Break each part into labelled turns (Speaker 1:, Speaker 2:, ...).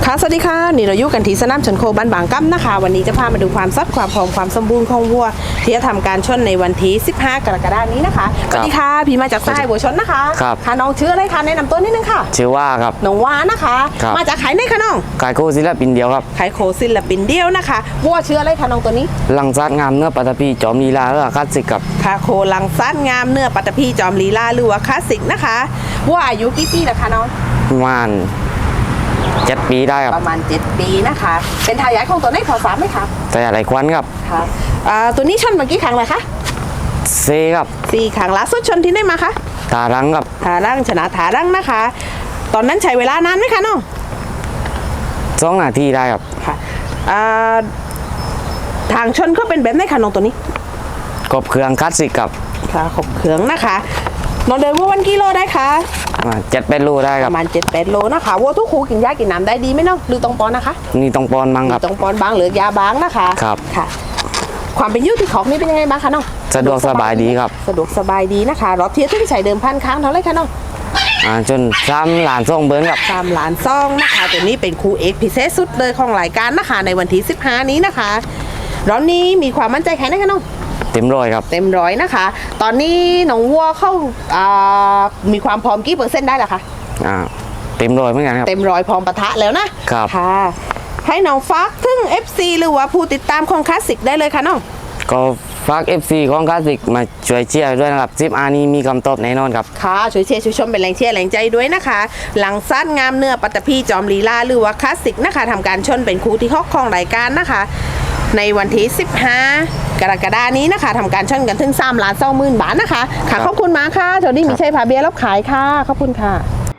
Speaker 1: ค่ะสวัสดีค่ะนี่เราอยู่กันที่สนามชนโคบ้านบางกั้มนะคะวันนี้จะพามาดูความสดความพร้อมความสมบูรณ์ของวัวที่จะทำการชนในวันที่15กรกฎาคมนี้นะคะสวัสดีค่ะพี่มาจากสายวัวชนนะคะ
Speaker 2: ครับ
Speaker 1: ค่ะน้องชื่ออะไรคะแนะนำตัวนิดนึงค่ะ
Speaker 2: ชื่อว่าครับ
Speaker 1: น้องว้านะคะมาจากขายไหนคะน้อง
Speaker 2: ขายโคศิลปินเดียวครับ
Speaker 1: ขายโคศิลปินเดียวนะคะวัวชื่ออะไรคะน้องตัวนี้
Speaker 2: ลังซัดงามเนื้อปัตตพีจอมลีลาหรือว่าคลาสสิกครับ
Speaker 1: ค่ะโคลังซัดงามเนื้อปัตตพีจอมลีลาหรือว่าคลาสสิกนะคะวัวอายุกี่ปีแล้วคะน้อง
Speaker 2: ประมาณ7 ปีได้ครับ
Speaker 1: ประมาณ7 ปีนะคะเป็นทายาทของตัวนี้ขอสามไหมคะ
Speaker 2: แต่อะไรควันครับ
Speaker 1: ค่ะตัวนี้ชนมากี่ครั้งเลยคะ
Speaker 2: เซครับ
Speaker 1: 4 ครั้งล่าสุดชนที่ไหนมาคะ
Speaker 2: ตารังครับ
Speaker 1: ทารังชนะทารังนะคะตอนนั้นใช้เวลานานไหมคะน้อง
Speaker 2: 2 นาทีได้ครับ
Speaker 1: ค่ะทางชนก็เป็นแบบไหนคะน้องตัวนี้
Speaker 2: กบเครื่องคลาสสิกครับ
Speaker 1: ค่ะขบเขืองนะคะน้องเดินวัววันกิโลได้คะ
Speaker 2: 7-8 โลได้ครั
Speaker 1: ป
Speaker 2: บ
Speaker 1: ระมาณ7-8 โลนะคะวัวทุกคูกินหญ้ากินน้ำได้ดีไหมน้องหรือตรงปอนนะคะ
Speaker 2: นี่ต้องปอนมั้งครับ
Speaker 1: ตรงปอนบางหรือยาบางนะคะ
Speaker 2: ครับ
Speaker 1: ค่ะความเป็นยืดที่ของนี่เป็นยังไงบ้างคะน้อง
Speaker 2: สะดวกสบายดีครับ
Speaker 1: สะดวกสบายดีนะคะรอบเทียบที่ใช้เดิมพันครั้งเท่าไรคะน้อง
Speaker 2: จน3 ล้านส่งเบิร์นครับ
Speaker 1: 3 ล้านซองนะคะตัวนี้เป็นคู่เอกพิเศษสุดเลยของรายการนะคะในวันที่15นี้นะคะรอบนี้มีความมั่นใจแค่ไหนคะน้อง
Speaker 2: เต็มร้อยครับ
Speaker 1: เต็มร้อยนะคะตอนนี้น้องวัวเข้ามีความพร้อมกี่%ได้ล่ะคะ
Speaker 2: เต็มร้อยเหมือนกันครับ
Speaker 1: เต็มร้อยพร้อมปะทะแล้วนะครับค่ะให้น้องฟักถึง FC หรือว่าผู้ติดตามของคลาสสิกได้เลยค่ะน้อง
Speaker 2: ก็ฝาก FC ของคลาสสิกมาช่วยเชียร์ด้วยนะครับ10 นี้มีคำตอบแน่นอนครับ
Speaker 1: ค่ะช่วยเชียร์ช่วยชมเป็นแรงเชียร์แรงใจด้วยนะคะหลังซัดงามเนื้อปัตตพีจอมลีลาหรือว่าคลาสสิกนะคะทำการชนเป็นคู่ที่6ของรายการนะคะในวันที่15กรกฎาคมนี้นะคะทำการชนกันถึง3,20,000 บาทนะคะค่ะขอบคุณมากค่ะโจดี้มีชัยพาเบียร์รับขายค่ะขอบคุณค่ะ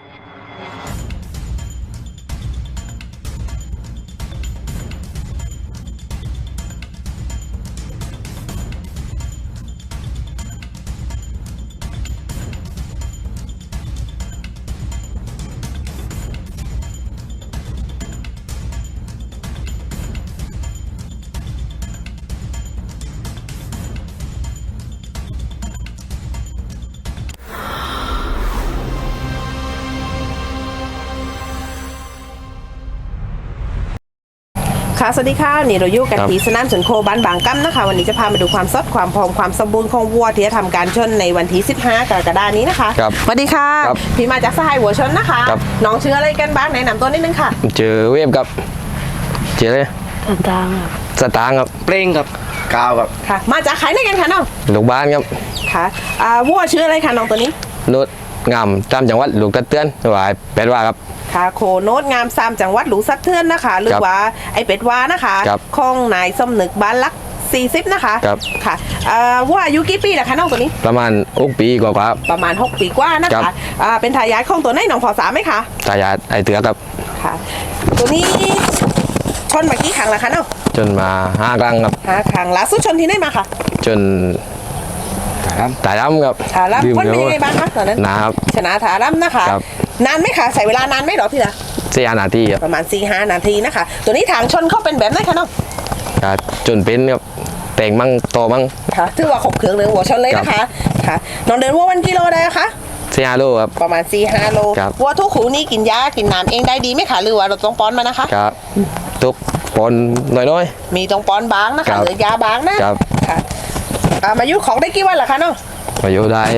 Speaker 1: ค่ะสวัสดีค่ะนี่เราอยู่กันที่สนามชนโคบ้านบางกั้มนะคะวันนี้จะพามาดูความสดความพร้อมความสมบูรณ์ของวัวที่จะทำการชนในวันที่15กรกฎาคมนี้นะคะสวัสดีค่ะพี่มาจากสหายวัวชนนะคะน้องชื่ออะไรกันบ้างแนะนำตัวนิดนึงค่ะ
Speaker 2: เจอเวฟครับเจอเลย
Speaker 1: สตางค์
Speaker 2: ครับเปร่งครับกาวครับ
Speaker 1: ค่ะมาจากขายไหนกันคะน้อง
Speaker 2: ลูกบ้านครับ
Speaker 1: ค่ะวัวชื่ออะไรคะน้องตัวนี้
Speaker 2: โนดงามตามจังหวัดลูกตะเตือนหวายเป็ดว่าครับ
Speaker 1: ค่ะโคโนดงามซามจังหวัดหลูสักเทือนนะคะหรือว่าไอเป็ดวานะคะของนายสมนึกบ้านลัก40นะคะค่ะว่าอายุกี่ปีล่ะคะน้องตัวนี้
Speaker 2: ประมาณ6 ปีกว่าครับ
Speaker 1: ประมาณ6 ปีกว่านะคะเป็นทายาทของตัวไหนน้องพอสามไหมคะ
Speaker 2: ทายาทไอเตือครับ
Speaker 1: ค่ะตัวนี้ชนมากี่ครั้งแล้วคะน้อง
Speaker 2: จนมา5 ครั้งครับ
Speaker 1: 5 ครั้งล่าสุดชนที่ไหนมาค่ะ
Speaker 2: จนถารัมครับ
Speaker 1: ถารัมวันเป็นยังไงบ้างคะตอนนั้น
Speaker 2: นะครับ
Speaker 1: ชนะถารัมนะคะนานไหมคะใช้เวลานานไหมหรอพี่ละ
Speaker 2: 4 นาทีครับ
Speaker 1: ประมาณ4-5 นาทีนะคะตัวนี้ทางชนเขาเป็นแบบไหนคะน้อง
Speaker 2: จนเป็นครับแต่งมั่งโตมั่ง
Speaker 1: ค่ะถือว่าขบเครื่องเลยหัวชนเลยนะคะค่ะน้องเดินวัววันกิโลได้คะ
Speaker 2: 4-5 โลครับ
Speaker 1: ประมาณ4-5 โลวัวทุกขูนี่กินหญ้ากินน้ำเองได้ดีไหมคะหรือว่าเราต้องป้อนมานะคะ
Speaker 2: ครับทุกป้อนน้อย
Speaker 1: มีต้องป้อนบางนะคะหรือยาบางนะครับค่ะมายุของได้กี่วันล่ะคะน้อง
Speaker 2: มายุได้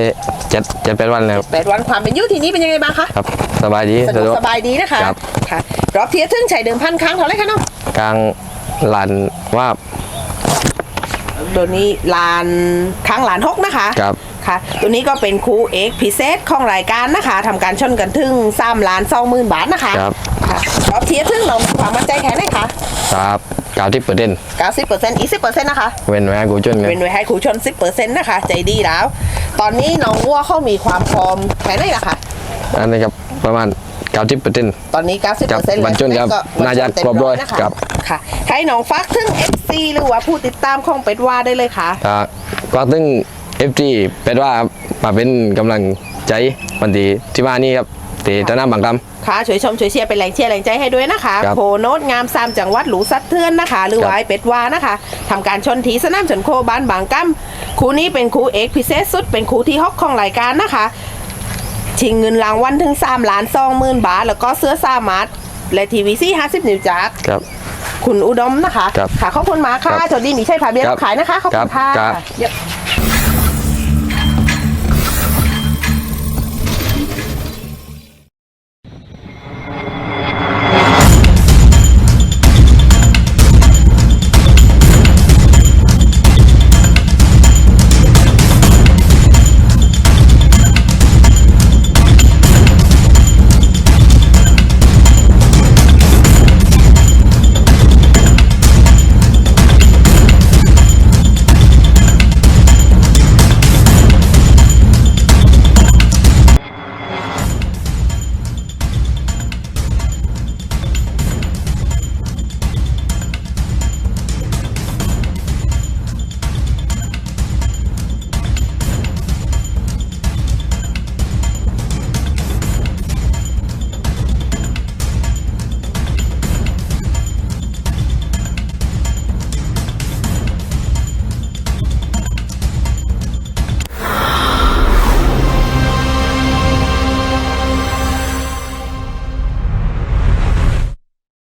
Speaker 2: 7-8 วันแล้ว
Speaker 1: 8 วันความเป็นยุทีนี้เป็นยังไงบ้างคะ
Speaker 2: ครับสบายดี
Speaker 1: สบายดีนะคะค่ะรอบเทียร์ทึ่งใช้เดิมพันครั้งเท่าไรคะน้อง
Speaker 2: กลางลานว่า
Speaker 1: ตัวนี้ลานครั้งลาน6นะคะ
Speaker 2: ครับ
Speaker 1: ค่ะตัวนี้ก็เป็นคู่เอกพิเศษของรายการนะคะทำการชนกันถึง3,20,000 บาทนะคะ
Speaker 2: ครับ
Speaker 1: รอบเทียร์ทึ่งเรามีความมั่นใจแค่ไหนคะ
Speaker 2: ครับ
Speaker 1: 90%อีก10%นะคะ
Speaker 2: เว้นไว้ให้ครูชน
Speaker 1: เว้นไว้ให้ครูชน10%นะคะใจดีแล้วตอนนี้น้องวัวเขามีความพร้อมแค่ไหนล่ะคะ
Speaker 2: อันนี้ครับประมาณ90%
Speaker 1: ตอนนี้90%
Speaker 2: บรรจุครับน่าจะครบด้วยครับ
Speaker 1: ค่ะให้น้องฟักถึง FC หรือว่าผู้ติดตามของเป็ดว่าได้เลยค่ะ
Speaker 2: ฟักถึง FG เป็ดว่ามาเป็นกำลังใจวันที่มานี่ครับที่สนามบางกำ
Speaker 1: ค่ะช่วยชมช่วยเชียร์เป็นแรงเชียร์แรงใจให้ด้วยนะคะโคโนดงามซามจังหวัดหลูสัดเทือนนะคะหรือว่าเป็ดวานะคะทำการชนทีสนามชนโคบ้านบางกั้มคู่นี้เป็นคู่เอกพิเศษสุดเป็นคู่ที่6ของรายการนะคะชิงเงินรางวัลถึง3,20,000 บาทแล้วก็เสื้อสามารถและทีวีซี่50 นิ้วจาก
Speaker 2: ครับ
Speaker 1: คุณอุดมนะคะ
Speaker 2: ครับ
Speaker 1: ค่ะขอบคุณมากค่ะ
Speaker 2: ครับ
Speaker 1: สวัสดีมีชัยพาเบียร์
Speaker 2: ครับ
Speaker 1: ขายนะคะขอบคุณค่ะ
Speaker 2: ครับ
Speaker 1: เดี๋ยว